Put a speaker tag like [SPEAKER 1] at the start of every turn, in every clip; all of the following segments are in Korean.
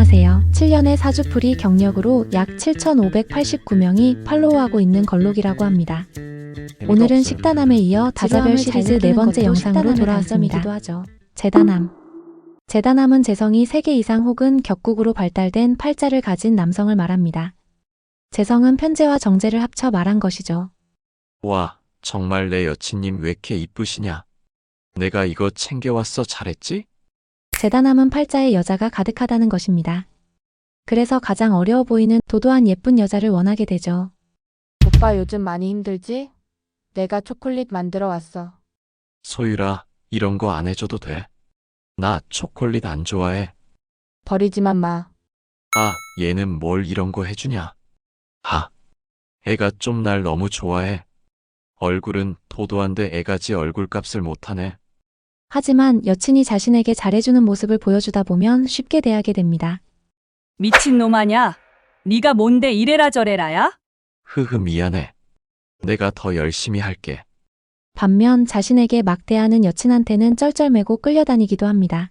[SPEAKER 1] 안녕하세요. 7년의 사주풀이 경력으로 약 7,589명이 팔로우하고 있는 걸록이라고 합니다. 오늘은 식단함에 이어 다자별 시리즈 네 번째 영상으로 돌아왔습니다. 재단함. 재단함은 재성이 3개 이상 혹은 격국으로 발달된 팔자를 가진 남성을 말합니다. 재성은 편재와 정재를 합쳐 말한 것이죠.
[SPEAKER 2] 와, 정말 내 여친님 왜 이렇게 이쁘시냐? 내가 이거 챙겨왔어 잘했지?
[SPEAKER 1] 재단함은 팔자에 여자가 가득하다는 것입니다. 그래서 가장 어려워 보이는 도도한 예쁜 여자를 원하게 되죠.
[SPEAKER 3] 오빠 요즘 많이 힘들지? 내가 초콜릿 만들어 왔어.
[SPEAKER 2] 소율아, 이런 거 안 해줘도 돼. 나 초콜릿 안 좋아해.
[SPEAKER 3] 버리지만 마.
[SPEAKER 2] 아, 얘는 뭘 이런 거 해주냐? 아, 애가 좀 날 너무 좋아해. 얼굴은 도도한데 애가지 얼굴값을 못하네.
[SPEAKER 1] 하지만 여친이 자신에게 잘해주는 모습을 보여주다 보면 쉽게 대하게 됩니다.
[SPEAKER 4] 미친놈 아냐? 네가 뭔데 이래라 저래라야?
[SPEAKER 2] 흐흐 미안해. 내가 더 열심히 할게.
[SPEAKER 1] 반면 자신에게 막대하는 여친한테는 쩔쩔매고 끌려다니기도 합니다.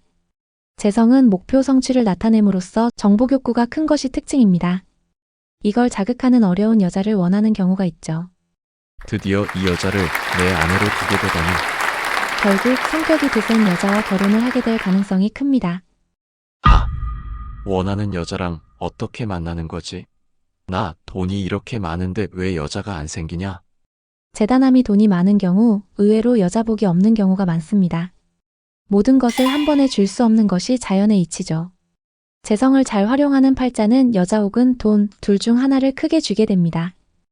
[SPEAKER 1] 재성은 목표 성취를 나타냄으로써 정복욕구가 큰 것이 특징입니다. 이걸 자극하는 어려운 여자를 원하는 경우가 있죠.
[SPEAKER 2] 드디어 이 여자를 내 아내로 두게 되다니.
[SPEAKER 1] 결국 성격이 드센 여자와 결혼을 하게 될 가능성이 큽니다.
[SPEAKER 2] 아, 원하는 여자랑 어떻게 만나는 거지? 나 돈이 이렇게 많은데 왜 여자가 안 생기냐?
[SPEAKER 1] 재단함이 돈이 많은 경우 의외로 여자복이 없는 경우가 많습니다. 모든 것을 한 번에 줄 수 없는 것이 자연의 이치죠. 재성을 잘 활용하는 팔자는 여자 혹은 돈 둘 중 하나를 크게 쥐게 됩니다.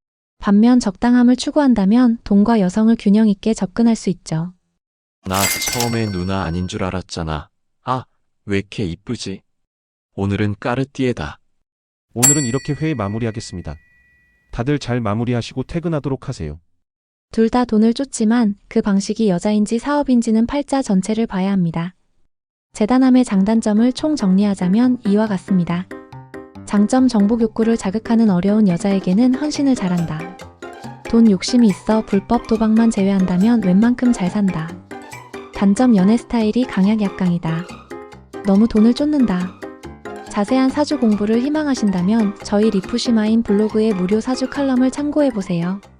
[SPEAKER 1] 반면 적당함을 추구한다면 돈과 여성을 균형 있게 접근할 수 있죠.
[SPEAKER 2] 나 처음에 누나 아닌 줄 알았잖아. 아, 왜 이렇게 이쁘지? 오늘은 까르띠에다.
[SPEAKER 5] 오늘은 이렇게 회의 마무리하겠습니다. 다들 잘 마무리하시고 퇴근하도록 하세요.
[SPEAKER 1] 둘 다 돈을 쫓지만 그 방식이 여자인지 사업인지는 팔자 전체를 봐야 합니다. 재단함의 장단점을 총 정리하자면 이와 같습니다. 장점 정복 욕구를 자극하는 어려운 여자에게는 헌신을 잘한다. 돈 욕심이 있어 불법 도박만 제외한다면 웬만큼 잘 산다. 단점 연애 스타일이 강약약강이다. 너무 돈을 쫓는다. 자세한 사주 공부를 희망하신다면 저희 리프시마인 블로그의 무료 사주 칼럼을 참고해보세요.